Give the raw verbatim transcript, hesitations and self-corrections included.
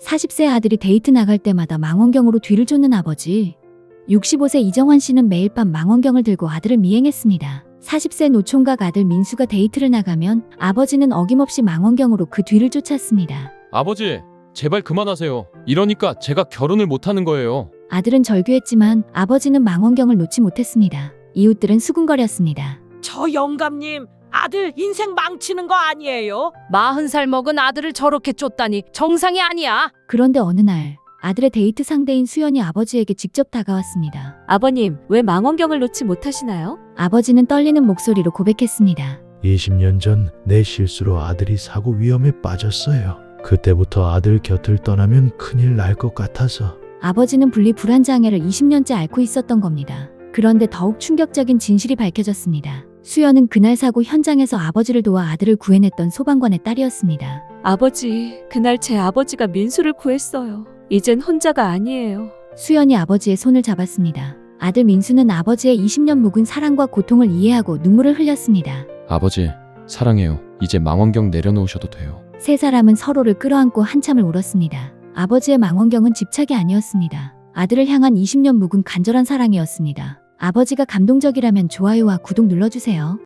사십 세 아들이 데이트 나갈 때마다 망원경으로 뒤를 쫓는 아버지. 육십오 세 이정환 씨는 매일 밤 망원경을 들고 아들을 미행했습니다. 사십 세 노총각 아들 민수가 데이트를 나가면 아버지는 어김없이 망원경으로 그 뒤를 쫓았습니다. 아버지, 제발 그만하세요. 이러니까 제가 결혼을 못하는 거예요. 아들은 절규했지만 아버지는 망원경을 놓지 못했습니다. 이웃들은 수군거렸습니다. 저 영감님, 아들 인생 망치는 거 아니에요? 마흔 살 먹은 아들을 저렇게 쫓다니 정상이 아니야. 그런데 어느 날 아들의 데이트 상대인 수연이 아버지에게 직접 다가왔습니다. 아버님, 왜 망원경을 놓지 못하시나요? 아버지는 떨리는 목소리로 고백했습니다. 이십 년 전 내 실수로 아들이 사고 위험에 빠졌어요. 그때부터 아들 곁을 떠나면 큰일 날 것 같아서. 아버지는 분리불안장애를 이십 년째 앓고 있었던 겁니다. 그런데 더욱 충격적인 진실이 밝혀졌습니다. 수연은 그날 사고 현장에서 아버지를 도와 아들을 구해냈던 소방관의 딸이었습니다. 아버지, 그날 제 아버지가 민수를 구했어요. 이젠 혼자가 아니에요. 수연이 아버지의 손을 잡았습니다. 아들 민수는 아버지의 이십 년 묵은 사랑과 고통을 이해하고 눈물을 흘렸습니다. 아버지, 사랑해요. 이제 망원경 내려놓으셔도 돼요. 세 사람은 서로를 끌어안고 한참을 울었습니다. 아버지의 망원경은 집착이 아니었습니다. 아들을 향한 이십 년 묵은 간절한 사랑이었습니다. 아버지가 감동적이라면 좋아요와 구독 눌러주세요.